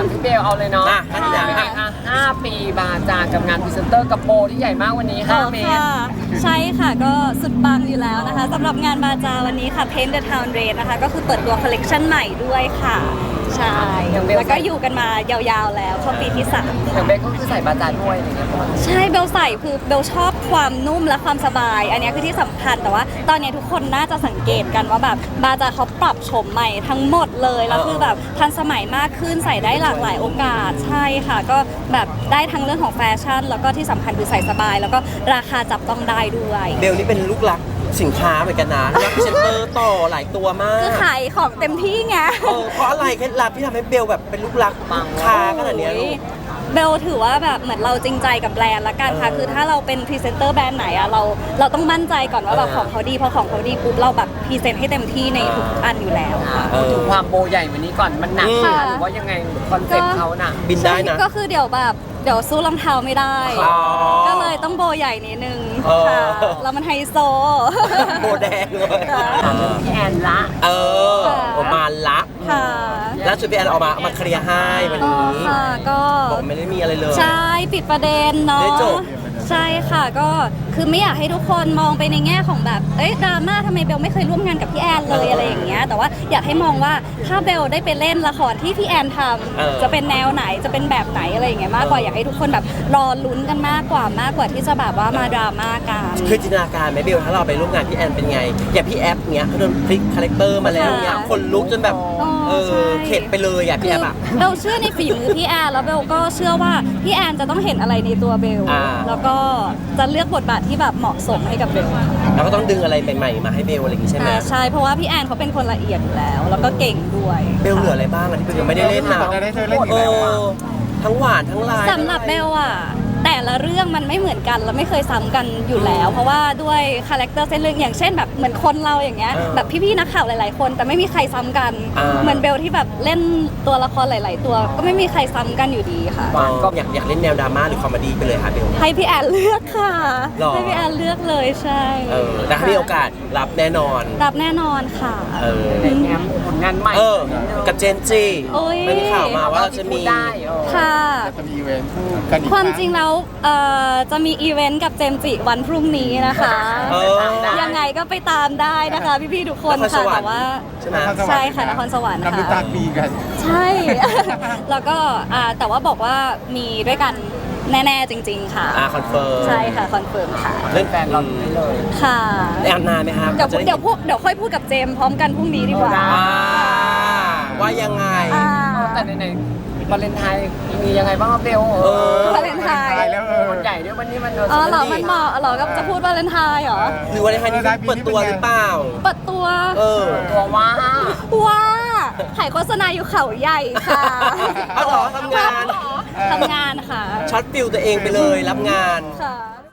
ามพี่เบลเอาเลยเนาะเป็นไงคะ5 ปีบาจากับงานพรีเซนเตอร์กับโบที่ใหญ่มากวันนี้5 เมตรใช่ค่ะก็สุดปังอยู่แล้วนะคะสำหรับงานบาจาวันนี้ค่ะ Paint the Town Red นะคะก็คือเปิดตัวคอลเลกชันใหม่ด้วยค่ะใช่แล้วก็อยู่กันมายาวๆแล้วเข้าปีที่3 อย่างเบลก็คือใส่บาจาด้วยอะไรเงี้ยใช่เบลใส่คือเบลชอบความนุ่มและความสบายอันนี้คือที่สำคัญแต่ว่าตอนนี้ทุกคนน่าจะสังเกตกันว่าแบบบาจาเขาปรับโฉมใหม่ทั้งหมดเลยแล้วคือแบบทันสมัยมากขึ้นใส่ได้หลากหลายโอกาสใช่ค่ะก็แบบได้ทั้งเรื่องของแฟชั่นแล้วก็ที่สำคัญคือใส่สบายแล้วก็ราคาจับต้องได้ด้วยเบลนี่เป็นลูกรักสินค้าเหมือนกันนะลูกรักพรีเซนเตอร์ต่อหลายตัวมากคือขายของเต็มที่ไงเพราะอะไรเคล็ดลับที่ทำให้เบลแบบเป็นลูกรักค้าขนาดนี้ลูกเบลถือว่าแบบเหมือนเราจริงใจกับแบรนด์ละกันค่ะคือถ้าเราเป็นพรีเซนเตอร์แบรนด์ไหนอะเราต้องมั่นใจก่อนว่าแบบของเขาดีพอของเขาดีปุ๊บเราแบบพรีเซนต์ให้เต็มที่ในทุกอันอยู่แล้วค่ะถึงความโบใหญ่วันนี้ก่อนมันหนักหรือว่ายังไงคอนเซ็ปต์เขาน่ะบินได้นะก็คือเดี๋ยวสู้รองเท้าไม่ได้ก็เลยต้องโบใหญ่นิดนึงค่ะแล้วมันไฮโซโบแดงเลยพี่แอนละออกมาละแล้วชุดพี่แอนออกมาเคลียร์ให้วันนี้ก็บอกไม่ได้มีอะไรเลยใช่ปิดประเด็นเนาะใช่ค่ะก็คือไม่อยากให้ทุกคนมองไปในแง่ของแบบดราม่าทำไมเบลไม่เคยร่วมงานกับพี่แอนเลยอะไรอย่างเงี้ยแต่ว่าอยากให้มองว่าถ้าเบลได้ไปเล่นละครที่พี่แอนทำจะเป็นแนวไหนจะเป็นแบบไหนอะไรอย่างเงี้ยมากกว่าอยากให้ทุกคนแบบรอลุ้นกันมากกว่าที่จะแบบว่ามาดราม่ากันคือจินตนาการไหมเบลถ้าเราไปร่วมงานพี่แอนเป็นไงอย่างพี่แอฟเงี้ยเขาโดนพลิกคาแรคเตอร์มาแล้วเงี้ยคนลุกจนแบบเข็ดไปเลยพี่แอฟอะเบลเชื่อในฝีมือพี่แอนแล้วเบลก็เชื่อว่าพี่แอนจะต้องเห็นอะไรในตัวเบลแล้วก็จะเลือกบทบาทที่แบบเหมาะสมให้กับเบลแล้วก็ต้องดึงอะไรใหม่ๆมาให้เบลอะไรอย่างงี้ใช่ไหมใช่เพราะว่าพี่แอนเขาเป็นคนละเอียดอยู่แล้วก็เก่งด้วยเบลเหลืออะไรบ้างที่เบลยังไม่ได้เล่นนะทั้งหวานทั้งลายสำหรับเบลอะแต่ละเรื่องมันไม่เหมือนกันและไม่เคยซ้ำกันอยู่แล้วเพราะว่าด้วยคาแรคเตอร์เส้นเรื่องอย่างเช่นแบบเหมือนคนเราอย่างเงี้ยแบบพี่ๆนักข่าวหลายๆคนแต่ไม่มีใครซ้ำกันเหมือนเบลที่แบบเล่นตัวละครหลายๆตัวก็ไม่มีใครซ้ำกันอยู่ดีค่ะก็อยากเล่นแนวดราม่าหรือคอมเมดี้ไปเลยค่ะเบลให้พี่แอนเลือกค่ะให้พี่แอนเลือกเลยใช่แต่ถ้ามีโอกาสรับแน่นอนค่ะในแง้มผลงานใหม่กับเจนจีไม่มีข่าวมาว่าเราจะมีค่ะจะมีอีเวนต์คู่กันอีกความจริงแล้วจะมีอีเวนต์กับเจมจิวันพรุ่งนี้นะคะยังไงก็ไปตามได้นะคะพี่ๆทุกคนค่ะแต่ว่าใช่ค่ะนครสวรรค์ค่ะน้ำตาปีกันใช่ แล้วก็แต่ว่าบอกว่ามีด้วยกันแน่ๆจริงๆค่ะคอนเฟิร์มใช่ค่ะคอนเฟิร์มค่ะเล่นแฟนเราได้เลยค่ะแอนนานไหมครับเดี๋ยวค่อยพูดกับเจมพร้อมกันพรุ่งนี้ดีกว่าว่ายังไงแต่ในวาเลนไทน์มียังไงบ้างเบลวาเลนไทน์มันใหญ่ด้วยวันนี้มันเหรอมันเหมาะเหรอก็จะพูดวาเลนไทน์เหรอหรือวาเลนไทน์นี้เปิดตัวหรือเปล่าเปิดตัวว่าถ่ายโฆษณาอยู่เขาใหญ่ค่ะเอาเหรอทำงานค่ะช็อตฟิลตัวเองไปเลยรับงานค่ะ